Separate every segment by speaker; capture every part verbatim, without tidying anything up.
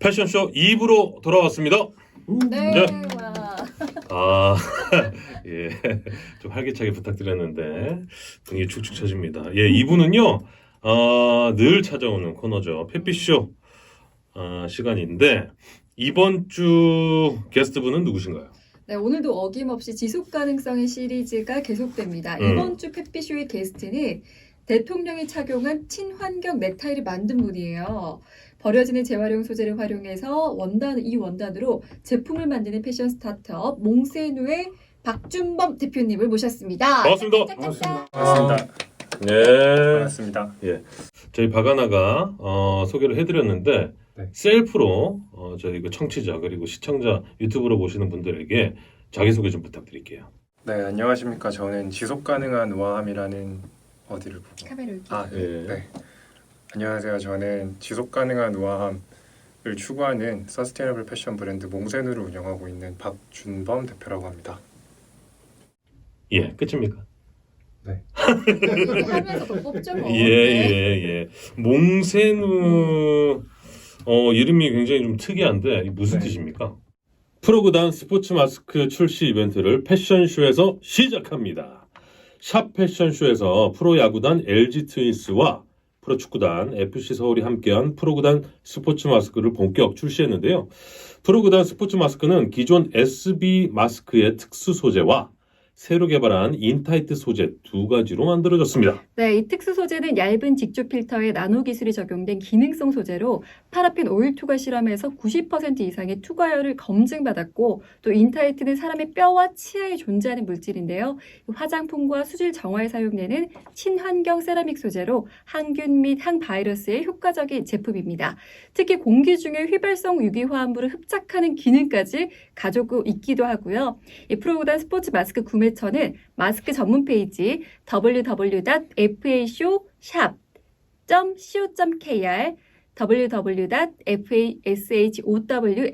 Speaker 1: 패션쇼 이 부로 돌아왔습니다.
Speaker 2: 네.
Speaker 1: 네.
Speaker 2: 와.
Speaker 1: 아, 예, 좀 활기차게 부탁드렸는데 분위기 축축 처집니다. 예, 이 부는요, 어, 늘 찾아오는 코너죠. 펫피쇼 어, 시간인데 이번 주 게스트분은 누구신가요?
Speaker 2: 네, 오늘도 어김없이 지속 가능성의 시리즈가 계속됩니다.
Speaker 1: 음.
Speaker 2: 이번 주 펫피쇼의 게스트는 대통령이 착용한 친환경 넥타이를 만든 분이에요. 버려지는 재활용 소재를 활용해서 원단, 이 원단으로 제품을 만드는 패션 스타트업 몽세누의 박준범 대표님을 모셨습니다.
Speaker 1: 반갑습니다.
Speaker 2: 짝짝짝.
Speaker 3: 반갑습니다.
Speaker 1: 네,
Speaker 3: 반갑습니다.
Speaker 1: 저희 박아나가 어, 소개를 해드렸는데
Speaker 3: 네.
Speaker 1: 셀프로 어, 저희 그 청취자 그리고 시청자 유튜브로 보시는 분들에게 자기소개 좀 부탁드릴게요.
Speaker 3: 네, 안녕하십니까. 저는 지속 가능한 우아함이라는 어디를 보고
Speaker 2: 카메라 여기.
Speaker 3: 아,
Speaker 1: 예.
Speaker 3: 네. 네. 안녕하세요. 저는 지속 가능한 우아함을 추구하는 서스테이너블 패션 브랜드 몽세누를 운영하고 있는 박준범 대표라고 합니다.
Speaker 1: 예, 끝입니까?
Speaker 2: 하면서 더 뽑죠 뭐.
Speaker 1: 예, 예, 예. 몽세누 어, 이름이 굉장히 좀 특이한데 이게 무슨
Speaker 3: 네.
Speaker 1: 뜻입니까? 프로그단 스포츠 마스크 출시 이벤트를 패션쇼에서 시작합니다. 샵 패션쇼에서 프로야구단 엘지 트윈스와 프로축구단 에프씨 서울이 함께한 프로구단 스포츠 마스크를 본격 출시했는데요. 프로구단 스포츠 마스크는 기존 에스비 마스크의 특수 소재와 새로 개발한 인타이트 소재 두 가지로 만들어졌습니다.
Speaker 2: 네, 이 특수 소재는 얇은 직조 필터에 나노 기술이 적용된 기능성 소재로 파라핀 오일 투과 실험에서 구십 퍼센트 이상의 투과율을 검증받았고 또 인타이트는 사람의 뼈와 치아에 존재하는 물질인데요. 화장품과 수질 정화에 사용되는 친환경 세라믹 소재로 항균 및 항바이러스에 효과적인 제품입니다. 특히 공기 중에 휘발성 유기화합물을 흡착하는 기능까지 가지고 있기도 하고요. 이 프로구단 스포츠 마스크 구매처는 마스크 전문 페이지 더블유 더블유 닷 에프에이쇼 샵 닷 씨오 닷 케이알 더블유 더블유 닷 에프에이쇼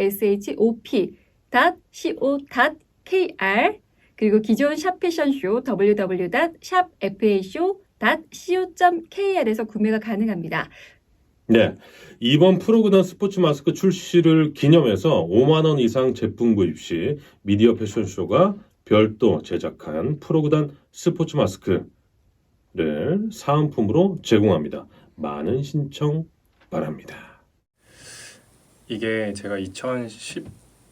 Speaker 2: 닷 씨오 닷 케이알 그리고 기존 샵 패션쇼 더블유 더블유 닷 샵 에프에이쇼 닷 씨오 닷 케이알에서 구매가 가능합니다.
Speaker 1: 네, 이번 프로구단 스포츠 마스크 출시를 기념해서 오만 원 이상 제품 구입 시 미디어 패션쇼가 별도 제작한 프로구단 스포츠 마스크를 사은품으로 제공합니다. 많은 신청 바랍니다.
Speaker 3: 이게 제가 이천십육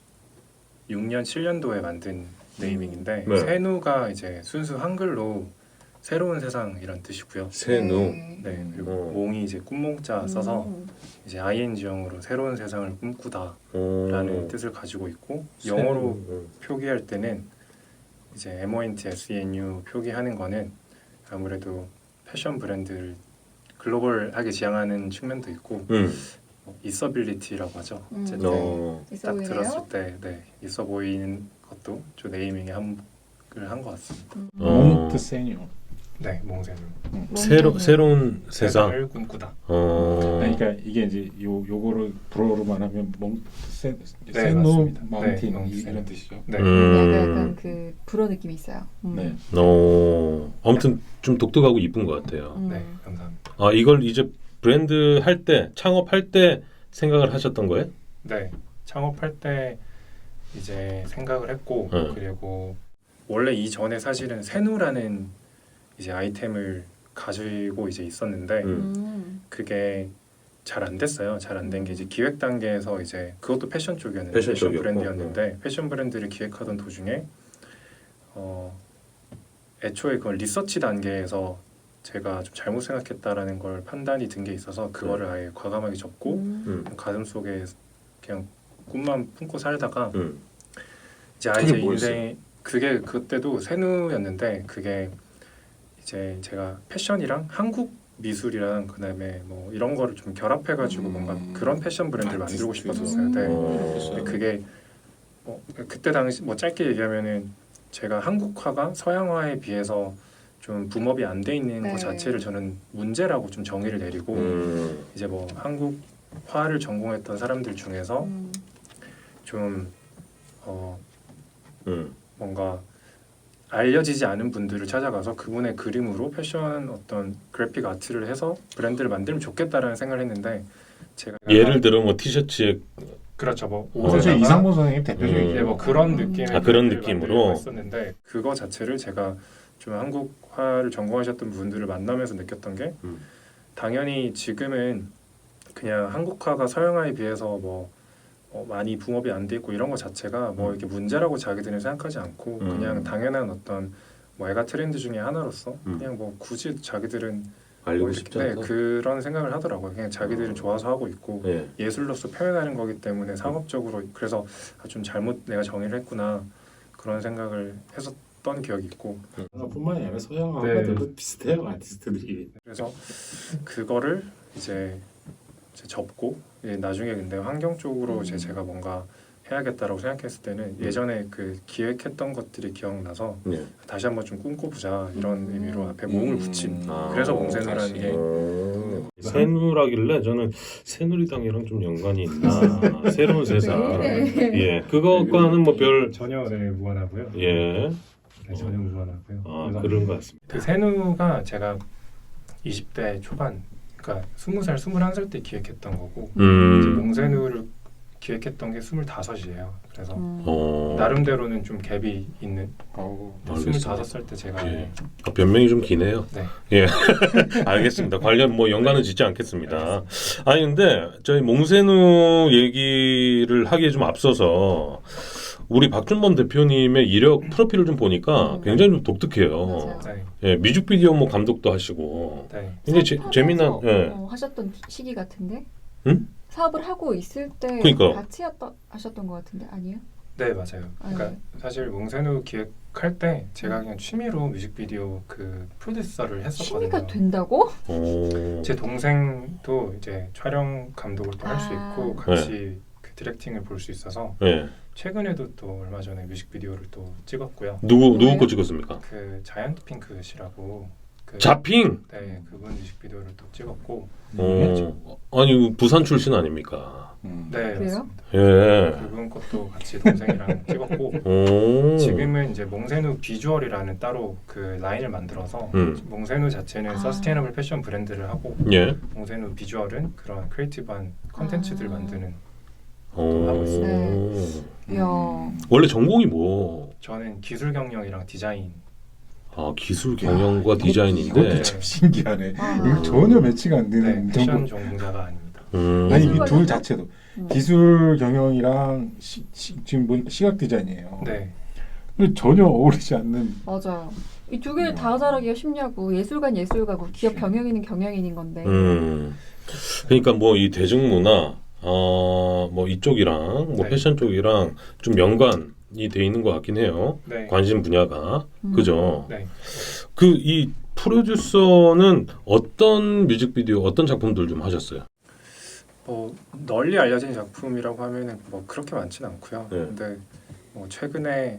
Speaker 3: 년, 칠 년도에 만든 네이밍인데
Speaker 1: 네.
Speaker 3: 세누가 이제 순수 한글로 새로운 세상이란 뜻이고요.
Speaker 1: 세누.
Speaker 3: 네, 그리고
Speaker 1: 어.
Speaker 3: 몽이 이제 꿈몽자 써서
Speaker 2: 음.
Speaker 3: 이제 아이엔지형으로 새로운 세상을 꿈꾸다라는
Speaker 1: 어,
Speaker 3: 뜻을 가지고 있고
Speaker 1: 세누.
Speaker 3: 영어로
Speaker 1: 어.
Speaker 3: 표기할 때는 이제 엠오엔티 에스이엔유 표기하는 거는 아무래도 패션 브랜드를 글로벌하게 지향하는 측면도 있고
Speaker 1: 음.
Speaker 3: 뭐 있어빌리티라고 하죠.
Speaker 2: 음.
Speaker 3: 어쨌든
Speaker 1: 어.
Speaker 2: 있어
Speaker 3: 딱
Speaker 2: 보이네요.
Speaker 3: 들었을 때 네, 있어 보이는 것도 저 네이밍에 한을 한 것 같습니다.
Speaker 2: 음.
Speaker 1: 어.
Speaker 4: 몽트 세뉴.
Speaker 3: 네, 몽세누.
Speaker 1: 새로 새로운 세상.
Speaker 3: 세상을 꿈꾸다.
Speaker 1: 어.
Speaker 4: 아니, 그러니까 이게 이제 요 요거를 불어로만 하면 몽 세,
Speaker 3: 네,
Speaker 4: 세누
Speaker 3: 맞습니다.
Speaker 4: 마운틴
Speaker 3: 네,
Speaker 4: 이-
Speaker 3: 세누.
Speaker 4: 이런 뜻이죠.
Speaker 3: 네.
Speaker 1: 음.
Speaker 2: 약간, 약간 그 불어 느낌이 있어요. 음.
Speaker 4: 네.
Speaker 1: 어. 아무튼 좀 독특하고 이쁜 것 같아요.
Speaker 2: 음.
Speaker 3: 네, 감사합니다.
Speaker 1: 아, 이걸 이제 브랜드 할 때, 창업할 때 생각을 하셨던 거예요?
Speaker 3: 네, 창업할 때 이제 생각을 했고
Speaker 1: 네.
Speaker 3: 그리고 원래 이전에 사실은 세누라는 이제 아이템을 가지고 이제 있었는데
Speaker 1: 음.
Speaker 2: 음.
Speaker 3: 그게 잘 안 됐어요. 잘 안 된 게 이제 기획 단계에서 이제 그것도 패션 쪽이었는데
Speaker 1: 패션
Speaker 3: 패션,
Speaker 1: 쪽이었고,
Speaker 3: 브랜드였는데 패션 브랜드를 기획하던 도중에 어 애초에 그걸 리서치 단계에서 제가 좀 잘못 생각했다라는 걸 판단이 든 게 있어서 그거를 아예 과감하게 접고
Speaker 2: 음.
Speaker 1: 음.
Speaker 3: 가슴 속에 그냥 꿈만 품고 살다가
Speaker 1: 음.
Speaker 3: 이제
Speaker 4: 그게
Speaker 3: 아이제
Speaker 4: 뭐였어요?
Speaker 3: 인생 그게 그때도 세누였는데 그게 이제 제가 패션이랑 한국 미술이랑 그다음에 뭐 이런 거를 좀 결합해가지고
Speaker 4: 음.
Speaker 3: 뭔가 그런 패션 브랜드를 만들고
Speaker 4: 아티스트.
Speaker 3: 싶었었어요. 네.
Speaker 1: 어.
Speaker 3: 근데 그게 뭐 그때 당시 뭐 짧게 얘기하면은 제가 한국화가 서양화에 비해서 좀 붐업이 안 돼 있는
Speaker 2: 네.
Speaker 3: 것 자체를 저는 문제라고 좀 정의를 내리고
Speaker 1: 음.
Speaker 3: 이제 뭐 한국화를 전공했던 사람들 중에서
Speaker 2: 음.
Speaker 3: 좀 어,
Speaker 1: 음.
Speaker 3: 뭔가 알려지지 않은 분들을 찾아가서 그분의 그림으로 패션 어떤 그래픽 아트를 해서 브랜드를 만들면 좋겠다라는 생각을 했는데 제가
Speaker 1: 예를 들어 뭐 티셔츠에
Speaker 3: 그렇죠. 뭐
Speaker 4: 어제
Speaker 3: 옷에다가
Speaker 4: 이상무 선생님 대표적인
Speaker 3: 네, 뭐 그런 느낌의
Speaker 1: 아, 그런
Speaker 3: 글
Speaker 1: 느낌으로?
Speaker 3: 만들려고 했었는데 그거 자체를 제가 좀 한국화를 전공하셨던 분들을 만나면서 느꼈던 게
Speaker 1: 음.
Speaker 3: 당연히 지금은 그냥 한국화가 서양화에 비해서 뭐 어, 많이 붕업이 안 돼 있고 이런 거 자체가 뭐
Speaker 1: 음.
Speaker 3: 이렇게 문제라고 자기들은 생각하지 않고
Speaker 1: 음.
Speaker 3: 그냥 당연한 어떤 뭐 애가 트렌드 중에 하나로서
Speaker 1: 음.
Speaker 3: 그냥 뭐 굳이 자기들은
Speaker 1: 알리고
Speaker 3: 뭐
Speaker 1: 싶지
Speaker 3: 이렇게,
Speaker 1: 않다.
Speaker 3: 네, 그런 생각을 하더라고요. 그냥 자기들은
Speaker 1: 어.
Speaker 3: 좋아서 하고 있고
Speaker 1: 예.
Speaker 3: 예술로서 표현하는 거기 때문에 상업적으로 그래서 아, 좀 잘못 내가 정의를 했구나 그런 생각을 했었던 기억이 있고
Speaker 4: 뿐만이 아니라 서양
Speaker 3: 네.
Speaker 4: 아빠들도 비슷해요 아티스트들이.
Speaker 3: 그래서 그거를 이제, 이제 접고 이제 나중에 근데 환경 쪽으로
Speaker 2: 음.
Speaker 3: 이제 제가 뭔가 해야겠다라고 생각했을 때는 예전에 그 기획했던 것들이 기억나서
Speaker 1: 예.
Speaker 3: 다시 한번 좀 꿈꿔보자 이런
Speaker 2: 음.
Speaker 3: 의미로 앞에 몽을
Speaker 4: 음.
Speaker 3: 붙인
Speaker 1: 아,
Speaker 3: 그래서
Speaker 1: 어,
Speaker 3: 몽새누라는
Speaker 4: 다시.
Speaker 3: 게
Speaker 1: 오. 새누라길래 저는 새누리당이랑 좀 연관이 있나 새로운 세상
Speaker 2: 네.
Speaker 1: 예 그것과는 뭐 별
Speaker 3: 전혀 네, 무관하고요.
Speaker 1: 예.
Speaker 3: 네, 전혀 무관하고요.
Speaker 1: 아
Speaker 3: 그래서
Speaker 1: 그런 것 같습니다.
Speaker 3: 그 새누가 제가 이십 대 초반, 그러니까 스무 살, 스물한 살 때 기획했던 거고 이제
Speaker 1: 음.
Speaker 3: 몽새누를 기획했던 게 스물다섯이에요. 그래서
Speaker 2: 음.
Speaker 1: 어.
Speaker 3: 나름대로는 좀 갭이 있는
Speaker 4: 어우.
Speaker 1: 알겠습니다.
Speaker 3: 스물다섯 살 때 제가
Speaker 1: 예. 아, 변명이 좀 기네요.
Speaker 3: 네.
Speaker 1: 예. 알겠습니다. 관련 뭐 연관은 짓지 않겠습니다. 아니 근데 저희 몽새누 얘기를 하기에 좀 앞서서 우리 박준범 대표님의 이력 프로필을 좀 보니까
Speaker 2: 음.
Speaker 1: 굉장히 좀 독특해요.
Speaker 2: 맞아요.
Speaker 3: 네.
Speaker 1: 예, 뮤직비디오 뭐 감독도 하시고
Speaker 3: 네.
Speaker 1: 굉장히 재,
Speaker 2: 사업하면서,
Speaker 1: 재미난 예.
Speaker 2: 어, 하셨던 시기 같은데?
Speaker 1: 응?
Speaker 2: 사업을 하고 있을 때
Speaker 1: 그러니까.
Speaker 2: 같이 했던, 하셨던 것 같은데 아니에요?
Speaker 3: 네, 맞아요. 그러니까
Speaker 2: 네.
Speaker 3: 사실 몽새누 기획할 때 제가 그냥 취미로 뮤직비디오 그 프로듀서를 했었거든요.
Speaker 2: 취미가 된다고?
Speaker 1: 오.
Speaker 3: 제 동생도 이제 촬영 감독을 또 할 수
Speaker 2: 아.
Speaker 3: 있고 같이 그 디렉팅을 볼 수 있어서
Speaker 1: 예.
Speaker 3: 최근에도 또 얼마 전에 뮤직비디오를 또 찍었고요.
Speaker 1: 누구 누구
Speaker 2: 뭐예요?
Speaker 1: 거 찍었습니까?
Speaker 3: 그 자이언트 핑크시라고 그
Speaker 1: 자핑.
Speaker 3: 네, 그분 뮤직비디오를 또 찍었고
Speaker 1: 어. 아니 부산 출신 아닙니까?
Speaker 4: 음.
Speaker 3: 네,
Speaker 2: 그래요?
Speaker 3: 맞습니다.
Speaker 1: 예.
Speaker 3: 그분 것도 같이 동생이랑 찍었고
Speaker 1: 오.
Speaker 3: 지금은 이제 몽새누 비주얼이라는 따로 그 라인을 만들어서
Speaker 1: 음.
Speaker 3: 몽새누 자체는
Speaker 2: 아.
Speaker 3: 서스테이너블 패션 브랜드를 하고
Speaker 1: 예.
Speaker 3: 몽새누 비주얼은 그런 크리에이티브한 컨텐츠들
Speaker 2: 아.
Speaker 3: 만드는
Speaker 1: 오.
Speaker 3: 하고
Speaker 2: 이야.
Speaker 1: 원래 전공이 뭐?
Speaker 3: 저는 기술 경영이랑 디자인
Speaker 1: 아 기술 경영과
Speaker 4: 야,
Speaker 1: 디자인인데.
Speaker 4: 이것도 참 신기하네.
Speaker 2: 아.
Speaker 4: 이거 전혀 매치가 안
Speaker 3: 네,
Speaker 4: 되는
Speaker 3: 패션
Speaker 4: 전공.
Speaker 3: 전공자가 아닙니다.
Speaker 1: 음.
Speaker 4: 아니 이
Speaker 2: 기술
Speaker 4: 둘
Speaker 2: 관련?
Speaker 4: 자체도
Speaker 2: 음.
Speaker 4: 기술 경영이랑 시, 시, 지금 뭐 시각 디자인이에요.
Speaker 3: 네,
Speaker 4: 근데 전혀 어울리지 않는.
Speaker 2: 맞아요. 이 두 개를 다 잘하기가 쉽냐고. 예술관 예술가고 기업 경영인은 경영인인 건데.
Speaker 1: 음. 그러니까 뭐 이 대중문화 어뭐 이쪽이랑 뭐
Speaker 3: 네.
Speaker 1: 패션 쪽이랑 좀 연관이 돼 있는 것 같긴 해요.
Speaker 3: 네,
Speaker 1: 관심 분야가
Speaker 2: 음.
Speaker 1: 그죠?
Speaker 3: 네.
Speaker 1: 그 이 프로듀서는 어떤 뮤직비디오 어떤 작품들 좀 하셨어요?
Speaker 3: 뭐 널리 알려진 작품이라고 하면은 뭐 그렇게 많지는 않고요.
Speaker 1: 네.
Speaker 3: 근데 뭐 최근에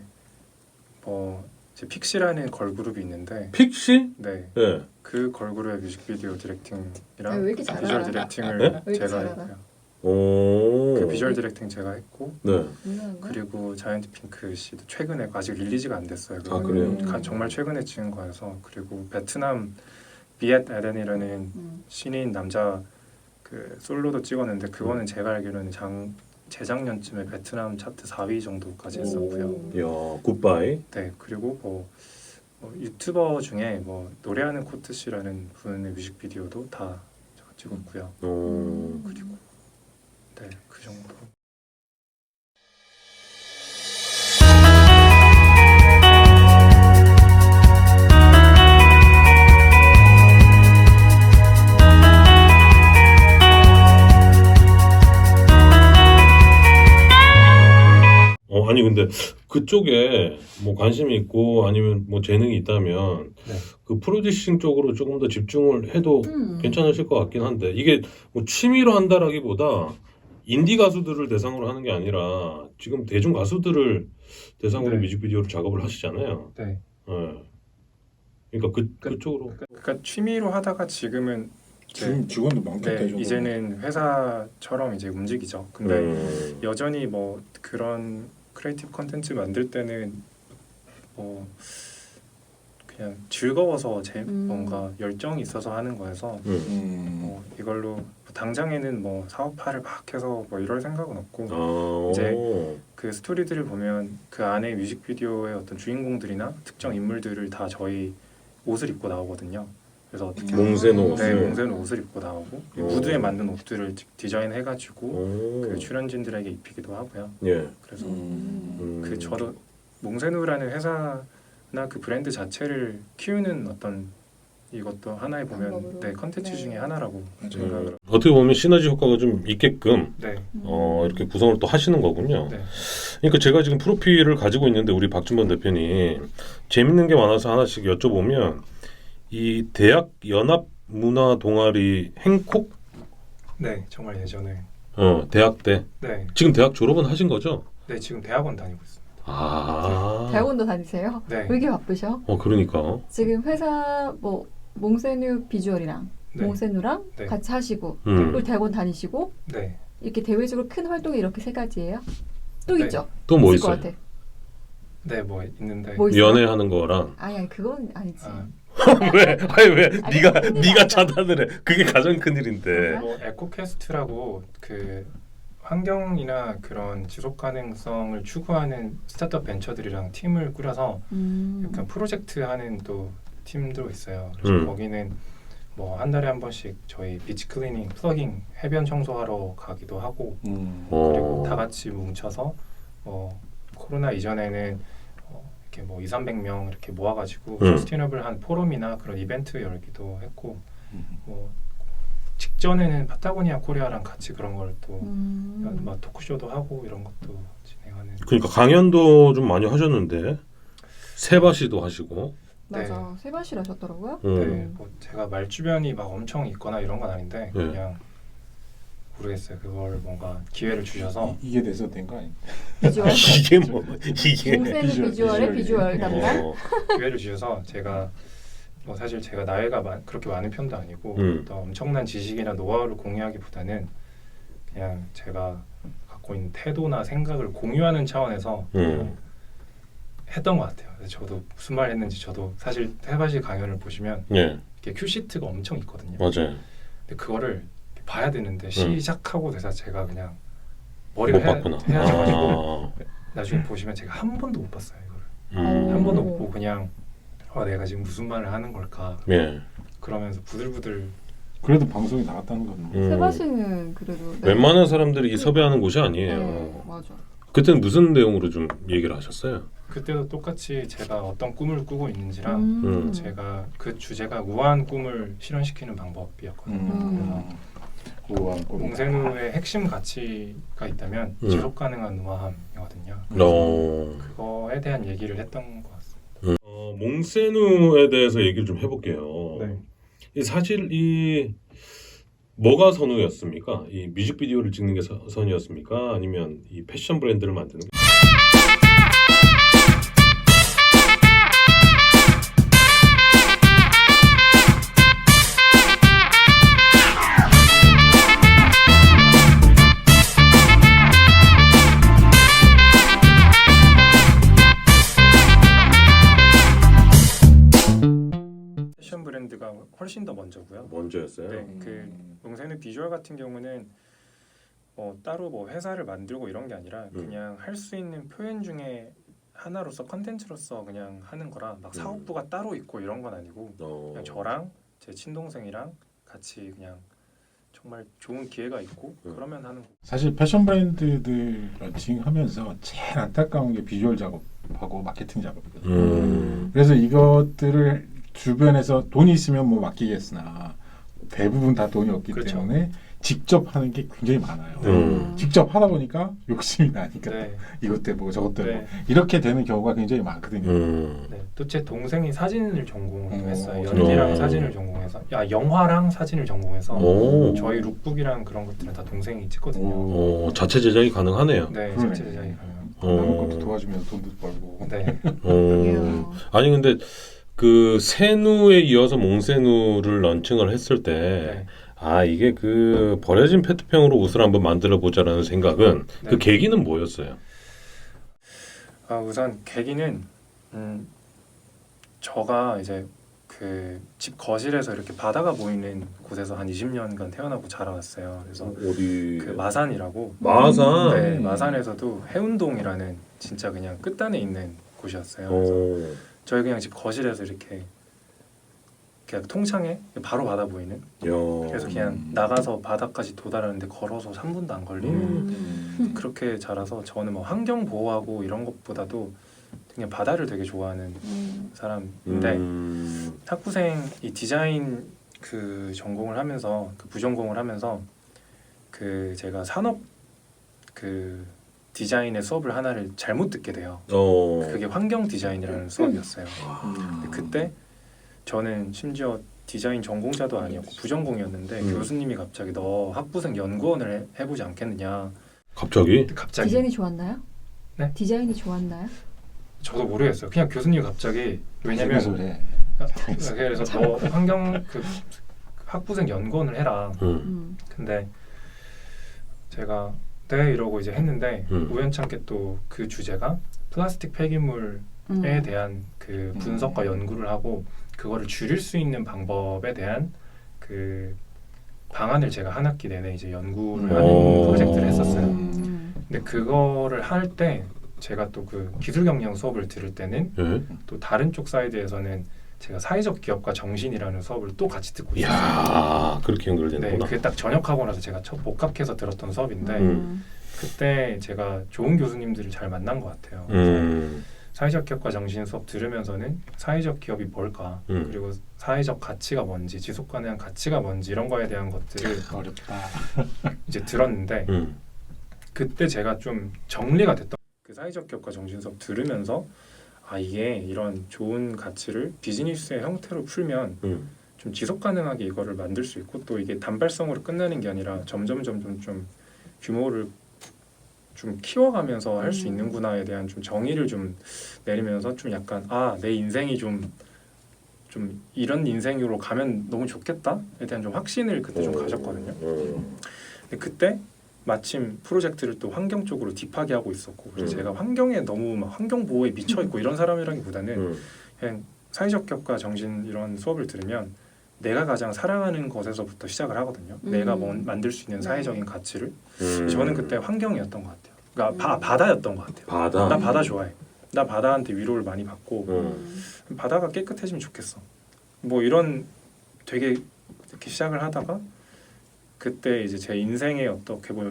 Speaker 3: 뭐 이제 픽시라는 걸그룹이 있는데
Speaker 1: 픽시?
Speaker 3: 네,
Speaker 1: 예.
Speaker 3: 그 걸그룹의 뮤직비디오
Speaker 2: 아,
Speaker 3: 디렉팅이랑
Speaker 2: 왜 이렇게 잘
Speaker 3: 비주얼
Speaker 2: 알아?
Speaker 3: 디렉팅을
Speaker 1: 네?
Speaker 2: 왜 이렇게
Speaker 3: 제가
Speaker 2: 잘
Speaker 3: 했고요.
Speaker 1: 오.
Speaker 3: 그 비주얼 디렉팅 제가 했고
Speaker 1: 네.
Speaker 2: 유명한가?
Speaker 3: 그리고 자이언트 핑크 씨도 최근에 아직 릴리즈가 안 됐어요.
Speaker 1: 아, 그래요?
Speaker 3: 가- 정말 최근에 찍은 거여서 그리고 베트남 비엣 에덴이라는
Speaker 2: 음.
Speaker 3: 신인 남자 그 솔로도 찍었는데 그거는 제가 알기로는 장 재작년쯤에 베트남 차트 사 위 정도까지 했었고요.
Speaker 1: 야, 굿바이.
Speaker 3: 네, 그리고 뭐, 뭐 유튜버 중에 뭐 노래하는 코트 씨라는 분의 뮤직비디오도 다 제가 찍었고요.
Speaker 1: 오.
Speaker 2: 그리고
Speaker 3: 네, 그 정도.
Speaker 1: 어, 아니 근데 그쪽에 뭐 관심이 있고 아니면 뭐 재능이 있다면
Speaker 3: 네.
Speaker 1: 그 프로듀싱 쪽으로 조금 더 집중을 해도
Speaker 2: 음.
Speaker 1: 괜찮으실 것 같긴 한데 이게 뭐 취미로 한다라기보다 인디 가수들을 대상으로 하는 게 아니라 지금 대중 가수들을 대상으로
Speaker 3: 네.
Speaker 1: 뮤직비디오를 작업을 하시잖아요.
Speaker 3: 네.
Speaker 1: 예. 그러니까 그
Speaker 3: 그-
Speaker 1: 그쪽으로
Speaker 3: 그러니까 취미로 하다가 지금은 이제
Speaker 4: 지금 직원도 많겠다.
Speaker 3: 네,
Speaker 4: 이 정도면.
Speaker 3: 이제는 회사처럼 이제 움직이죠. 근데
Speaker 1: 음.
Speaker 3: 여전히 뭐 그런 크리에이티브 컨텐츠 만들 때는 뭐 그냥 즐거워서 제
Speaker 2: 음.
Speaker 3: 뭔가 열정이 있어서 하는 거여서
Speaker 1: 음.
Speaker 4: 음.
Speaker 3: 뭐 이걸로 뭐 당장에는 뭐 사업화를 막 해서 뭐 이럴 생각은 없고
Speaker 1: 아,
Speaker 3: 이제
Speaker 1: 오.
Speaker 3: 그 스토리들을 보면 그 안에 뮤직비디오의 어떤 주인공들이나 특정 인물들을 다 저희 옷을 입고 나오거든요. 그래서 어떻게
Speaker 1: 몽세노
Speaker 3: 네,
Speaker 1: 옷을.
Speaker 3: 몽세노 옷을 입고 나오고
Speaker 1: 오.
Speaker 3: 무드에 맞는 옷들을 디자인해가지고
Speaker 1: 오.
Speaker 3: 그 출연진들에게 입히기도 하고요.
Speaker 1: 예.
Speaker 3: 그래서
Speaker 4: 음.
Speaker 1: 음.
Speaker 3: 그 저도 몽세누라는 회사나 그 브랜드 자체를 키우는 어떤 이것도 하나에 보면
Speaker 2: 방법으로.
Speaker 3: 네 컨텐츠
Speaker 2: 네.
Speaker 3: 중에 하나라고 생각을
Speaker 1: 음. 어떻게 보면 시너지 효과가 좀 있게끔
Speaker 3: 네,
Speaker 1: 어, 이렇게 구성을 또 하시는 거군요.
Speaker 3: 네.
Speaker 1: 그러니까 제가 지금 프로필을 가지고 있는데 우리 박준범 대표님 재밌는 게 많아서 하나씩 여쭤보면 이 대학 연합 문화 동아리 행콕
Speaker 3: 네 정말 예전에
Speaker 1: 어, 대학 때
Speaker 3: 네,
Speaker 1: 지금 대학 졸업은 하신 거죠?
Speaker 3: 네 지금 대학원 다니고 있습니다.
Speaker 1: 아.
Speaker 2: 대학원도 다니세요?
Speaker 3: 네,
Speaker 2: 왜 이렇게 바쁘셔?
Speaker 1: 어, 그러니까.
Speaker 2: 지금 회사 뭐 몽세누 비주얼이랑
Speaker 3: 네,
Speaker 2: 몽세누랑
Speaker 3: 네.
Speaker 2: 같이 하시고
Speaker 1: 음.
Speaker 2: 그리고 대학원 다니시고
Speaker 3: 네,
Speaker 2: 이렇게 대외적으로 큰 활동이 이렇게 세 가지예요? 또
Speaker 3: 네.
Speaker 2: 있죠?
Speaker 1: 또 뭐
Speaker 2: 있을 것
Speaker 1: 있어요?
Speaker 2: 같아.
Speaker 3: 네, 뭐 있는데
Speaker 2: 뭐 있어요?
Speaker 1: 연애하는 거랑
Speaker 2: 아니 아니 그건 아니지.
Speaker 3: 아,
Speaker 1: 왜? 아니 왜?
Speaker 2: 아니,
Speaker 1: 네가
Speaker 2: 큰일이
Speaker 1: 네가
Speaker 2: 아니다.
Speaker 1: 차단을 해. 그게 가장 큰 일인데.
Speaker 3: 뭐 에코캐스트라고 그 환경이나 그런 지속 가능성을 추구하는 스타트업 벤처들이랑 팀을 꾸려서
Speaker 2: 음.
Speaker 3: 약간 프로젝트 하는 또 팀도 있어요. 그래서
Speaker 1: 음.
Speaker 3: 거기는 뭐 한 달에 한 번씩 저희 비치 클리닝, 플러깅, 해변 청소하러 가기도 하고
Speaker 4: 음.
Speaker 3: 그리고
Speaker 1: 어.
Speaker 3: 다 같이 뭉쳐서 뭐 코로나 이전에는 어 이렇게 뭐 이삼백 명 이렇게 모아가지고
Speaker 1: 음.
Speaker 3: 서스테이너블한 포럼이나 그런 이벤트 열기도 했고
Speaker 4: 음.
Speaker 3: 뭐 직전에는 파타고니아 코리아랑 같이 그런 걸또
Speaker 2: 음.
Speaker 3: 막 토크쇼도 하고 이런 것도 진행하는.
Speaker 1: 그러니까 강연도 좀 많이 하셨는데 세바시도 하시고.
Speaker 2: 맞아. 세바시를 하셨더라고요.
Speaker 1: 음.
Speaker 3: 네, 뭐 제가 말 주변이 막 엄청 있거나 이런 건 아닌데
Speaker 1: 네.
Speaker 3: 그냥 모르겠어요. 그걸 뭔가 기회를 주셔서
Speaker 4: 이, 이게 돼서 된 거 아니에요?
Speaker 2: 비주얼.
Speaker 1: 이게 뭐 이게.
Speaker 2: 몽세누
Speaker 4: 비주얼,
Speaker 2: 비주얼의
Speaker 4: 비주얼.
Speaker 2: 비주얼 담당.
Speaker 1: 어.
Speaker 3: 기회를 주셔서 제가 뭐 사실 제가 나이가 마, 그렇게 많은 편도 아니고
Speaker 1: 음.
Speaker 3: 또 엄청난 지식이나 노하우를 공유하기보다는 그냥 제가 갖고 있는 태도나 생각을 공유하는 차원에서
Speaker 1: 음.
Speaker 3: 했던 것 같아요. 그래서 저도 무슨 말 했는지 저도 사실 세바시 강연을 보시면
Speaker 1: 예,
Speaker 3: 이렇게 큐시트가 엄청 있거든요.
Speaker 1: 맞아요.
Speaker 3: 근데 그거를 봐야 되는데 시작하고 돼서 제가 그냥
Speaker 1: 못
Speaker 3: 머리가
Speaker 1: 봤구나.
Speaker 3: 헤, 헤어져가지고
Speaker 1: 아.
Speaker 3: 나중에 보시면 제가 한 번도 못 봤어요. 이거를
Speaker 1: 음.
Speaker 3: 한 번도 못 보고 그냥 어, 내가 지금 무슨 말을 하는 걸까
Speaker 1: 예.
Speaker 3: 그러면서 부들부들.
Speaker 4: 그래도 방송이 나갔다는 건
Speaker 1: 음.
Speaker 2: 세바시는 그래도 네.
Speaker 1: 웬만한 사람들이 이 섭외하는 곳이 아니에요.
Speaker 2: 네, 맞아.
Speaker 1: 그때는 무슨 내용으로 좀 얘기를 하셨어요?
Speaker 3: 그때도 똑같이 제가 어떤 꿈을 꾸고 있는지랑
Speaker 1: 음.
Speaker 3: 제가 그 주제가 우아한 꿈을 실현시키는 방법이었거든요.
Speaker 4: 음. 우아한 꿈.
Speaker 3: 몽세누의 핵심 가치가 있다면
Speaker 1: 음.
Speaker 3: 지속 가능한 우아함이거든요.
Speaker 1: 어.
Speaker 3: 그거에 대한 얘기를 했던 것 같습니다.
Speaker 1: 어, 몽세누에 대해서 얘기를 좀 해볼게요.
Speaker 3: 네.
Speaker 1: 이 사실 이 뭐가 선우였습니까? 이 뮤직비디오를 찍는 게 서, 선이었습니까? 아니면 이 패션 브랜드를 만드는 게?
Speaker 3: 패션 브랜드가 훨씬 더 먼저고요.
Speaker 1: 먼저였어요.
Speaker 3: 네, 그 몽세누 비주얼 같은 경우는 뭐 따로 뭐 회사를 만들고 이런 게 아니라
Speaker 1: 음.
Speaker 3: 그냥 할 수 있는 표현 중에 하나로서 컨텐츠로서 그냥 하는 거라 막
Speaker 1: 음.
Speaker 3: 사업부가 따로 있고 이런 건 아니고
Speaker 1: 어.
Speaker 3: 그냥 저랑 제 친동생이랑 같이 그냥 정말 좋은 기회가 있고
Speaker 1: 음.
Speaker 3: 그러면 하는 거.
Speaker 4: 사실 패션 브랜드들 런칭하면서 제일 안타까운 게 비주얼 작업하고 마케팅 작업이거든요.
Speaker 1: 음.
Speaker 4: 그래서 이것들을 주변에서 돈이 있으면 뭐 맡기겠으나 대부분 다 돈이 없기
Speaker 3: 그렇죠.
Speaker 4: 때문에 직접 하는 게 굉장히 많아요.
Speaker 1: 음.
Speaker 4: 직접 하다 보니까 욕심이 나니까
Speaker 3: 네,
Speaker 4: 이것 때문에 저것 때문에
Speaker 3: 네,
Speaker 4: 이렇게 되는 경우가 굉장히 많거든요.
Speaker 1: 음.
Speaker 3: 네. 또 제 동생이 사진을 전공을
Speaker 4: 오,
Speaker 3: 했어요.
Speaker 4: 진짜.
Speaker 3: 연기랑
Speaker 1: 오.
Speaker 3: 사진을 전공해서, 야 영화랑 사진을 전공해서
Speaker 1: 오.
Speaker 3: 저희 룩북이랑 그런 것들은 다 동생이 찍거든요.
Speaker 1: 어, 자체 제작이 가능하네요.
Speaker 3: 네,
Speaker 4: 그러네.
Speaker 3: 실제 제작이 가능.
Speaker 4: 남의
Speaker 1: 어.
Speaker 4: 것도 도와주면서 돈도 벌고.
Speaker 3: 네,
Speaker 1: 어.
Speaker 2: 이야.
Speaker 1: 아니 근데 그 세누에 이어서 몽세누를 런칭을 했을 때
Speaker 3: 네.
Speaker 1: 아 이게 그 버려진 페트병으로 옷을 한번 만들어 보자라는 생각은
Speaker 3: 네.
Speaker 1: 그 계기는 뭐였어요?
Speaker 3: 아, 우선 계기는 음, 저가 이제 그 집 거실에서 이렇게 바다가 보이는 곳에서 한 이십 년간 태어나고 자라왔어요. 그래서
Speaker 1: 어디
Speaker 3: 그 마산이라고
Speaker 1: 마산.
Speaker 3: 네,
Speaker 4: 음.
Speaker 3: 마산에서도 해운동이라는 진짜 그냥 끝단에 있는 곳이었어요. 그래서
Speaker 1: 어.
Speaker 3: 저희 그냥 집 거실에서 이렇게 그냥 통창에 바로 바다 보이는.
Speaker 1: 야.
Speaker 3: 그래서 그냥
Speaker 4: 음.
Speaker 3: 나가서 바다까지 도달하는데 걸어서 삼 분도 안 걸리는
Speaker 2: 음.
Speaker 3: 그렇게 자라서 저는 뭐 환경 보호하고 이런 것보다도 그냥 바다를 되게 좋아하는
Speaker 2: 음.
Speaker 3: 사람인데
Speaker 1: 음.
Speaker 3: 학부생 이 디자인 그 전공을 하면서 그 부전공을 하면서 그 제가 산업 그 디자인의 수업을 하나를 잘못 듣게 돼요.
Speaker 1: 어.
Speaker 3: 그게 환경 디자인이라는 수업이었어요.
Speaker 4: 음.
Speaker 3: 근데 그때 저는 심지어 디자인 전공자도 아니었고 부전공이었는데
Speaker 1: 음.
Speaker 3: 교수님이 갑자기 너 학부생 연구원을 해, 해보지 않겠느냐.
Speaker 1: 갑자기?
Speaker 3: 갑자기
Speaker 2: 디자인이 좋았나요?
Speaker 3: 네?
Speaker 2: 디자인이 좋았나요?
Speaker 3: 저도 모르겠어요. 그냥 교수님이 갑자기 왜냐면
Speaker 4: 소리.
Speaker 3: 그래서 너 환경 그 학부생 연구원을 해라.
Speaker 1: 음.
Speaker 2: 음.
Speaker 3: 근데 제가 네 이러고 이제 했는데
Speaker 1: 음.
Speaker 3: 우연찮게 또 그 주제가 플라스틱 폐기물에
Speaker 2: 음.
Speaker 3: 대한 그 분석과 연구를 하고 그거를 줄일 수 있는 방법에 대한 그 방안을 제가 한 학기 내내 이제 연구를 하는
Speaker 1: 오.
Speaker 3: 프로젝트를 했었어요.
Speaker 2: 음.
Speaker 3: 근데 그거를 할 때 제가 또 그 기술 경영 수업을 들을 때는
Speaker 1: 예?
Speaker 3: 또 다른 쪽 사이드에서는 제가 사회적 기업과 정신이라는 수업을 또 같이 듣고 있었어요.
Speaker 1: 야, 그렇게
Speaker 3: 네,
Speaker 1: 연결되는구나.
Speaker 3: 그게 딱 전역하고 나서 제가 첫 복학해서 들었던 수업인데
Speaker 2: 음.
Speaker 3: 그때 제가 좋은 교수님들을 잘 만난 것 같아요. 그래서
Speaker 1: 음.
Speaker 3: 사회적 기업과 정신 수업 들으면서는 사회적 기업이 뭘까
Speaker 1: 음.
Speaker 3: 그리고 사회적 가치가 뭔지 지속 가능한 가치가 뭔지 이런 거에 대한 것들을
Speaker 4: 어렵다.
Speaker 3: 이제 들었는데
Speaker 1: 음.
Speaker 3: 그때 제가 좀 정리가 됐던 그 사회적 기업과 정신 수업 들으면서 아 이게 이런 좋은 가치를 비즈니스의 형태로 풀면
Speaker 1: 음.
Speaker 3: 좀 지속 가능하게 이거를 만들 수 있고 또 이게 단발성으로 끝나는 게 아니라 점점 점점 좀 규모를 좀 키워가면서 할 수
Speaker 2: 음.
Speaker 3: 있는구나에 대한 좀 정의를 좀 내리면서 좀 약간 아 내 인생이 좀 좀 이런 인생으로 가면 너무 좋겠다에 대한 좀 확신을 그때 좀 가졌거든요.
Speaker 1: 음.
Speaker 3: 근데 그때 마침 프로젝트를 또 환경 쪽으로 딥하게 하고 있었고 그래서
Speaker 1: 음.
Speaker 3: 제가 환경에 너무 막 환경 보호에 미쳐 있고 이런 사람이라기보다는
Speaker 1: 음.
Speaker 3: 그냥 사회적 기업과 정신 이런 수업을 들으면 내가 가장 사랑하는 것에서부터 시작을 하거든요.
Speaker 2: 음.
Speaker 3: 내가 뭐 만들 수 있는
Speaker 2: 네.
Speaker 3: 사회적인 가치를.
Speaker 1: 음.
Speaker 3: 저는 그때 환경이었던 것 같아요. 그러니까 바,
Speaker 2: 음.
Speaker 3: 바다였던 것 같아요.
Speaker 1: 바다.
Speaker 3: 나 바다 좋아해. 나 바다한테 위로를 많이 받고
Speaker 1: 음.
Speaker 3: 바다가 깨끗해지면 좋겠어. 뭐 이런 되게 이렇게 시작을 하다가 그때 이제 제 인생에 어떻게 보면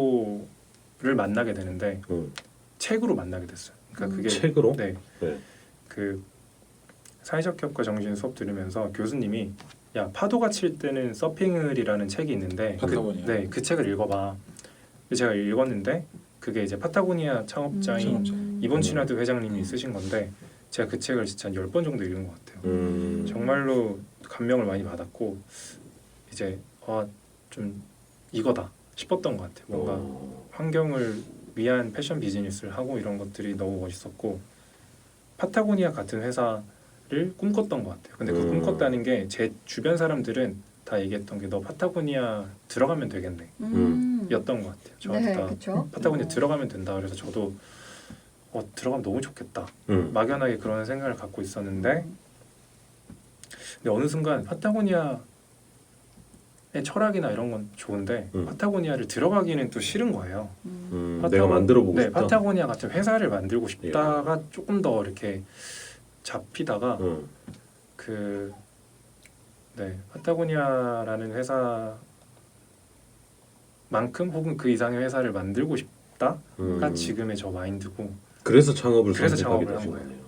Speaker 3: 멘토를 만나게 되는데
Speaker 1: 음.
Speaker 3: 책으로 만나게 됐어요. 그러니까
Speaker 2: 음.
Speaker 3: 그게
Speaker 1: 책으로?
Speaker 3: 네.
Speaker 1: 네.
Speaker 3: 그 사회적 기업과 정신 수업 들으면서 교수님이 야 파도가 칠 때는 서핑을이라는 책이 있는데 그,
Speaker 4: 파타고니아.
Speaker 3: 네, 그 책을 읽어봐. 근데 제가 읽었는데 그게 이제 파타고니아 창업자인
Speaker 2: 음.
Speaker 3: 이번 친화도 회장님이
Speaker 4: 음.
Speaker 3: 쓰신 건데 제가 그 책을 진짜 한 열 번 정도 읽은 것 같아요.
Speaker 1: 음.
Speaker 3: 정말로 감명을 많이 받았고 이제 아, 좀 이거다 싶었던 것 같아요. 뭔가
Speaker 1: 어.
Speaker 3: 환경을 위한 패션 비즈니스를 하고 이런 것들이 너무 멋있었고 파타고니아 같은 회사를 꿈꿨던 것 같아요. 근데 그
Speaker 1: 음.
Speaker 3: 꿈꿨다는 게 제 주변 사람들은 다 얘기했던 게 너 파타고니아 들어가면 되겠네
Speaker 2: 음.
Speaker 3: 였던 것 같아요. 저한테
Speaker 2: 네,
Speaker 3: 다
Speaker 2: 그렇죠.
Speaker 3: 파타고니아 들어가면 된다. 그래서 저도 어, 들어가면 너무 좋겠다.
Speaker 1: 음.
Speaker 3: 막연하게 그런 생각을 갖고 있었는데 근데 어느 순간 파타고니아의 철학이나 이런 건 좋은데
Speaker 1: 음.
Speaker 3: 파타고니아를 들어가기는 또 싫은 거예요.
Speaker 2: 음.
Speaker 1: 음.
Speaker 3: 파타고-
Speaker 1: 내가 만들어 보고
Speaker 3: 네,
Speaker 1: 싶다.
Speaker 3: 파타고니아 같은 회사를 만들고 싶다가 조금 더 이렇게 잡히다가
Speaker 1: 음.
Speaker 3: 그 네, 파타고니아라는 회사만큼 혹은 그 이상의 회사를 만들고 싶다가
Speaker 1: 음.
Speaker 3: 지금의 저 마인드고
Speaker 1: 그래서 창업을
Speaker 3: 그래서
Speaker 1: 선택하게
Speaker 3: 창업을 한
Speaker 1: 되신
Speaker 3: 거예요.
Speaker 1: 거네요.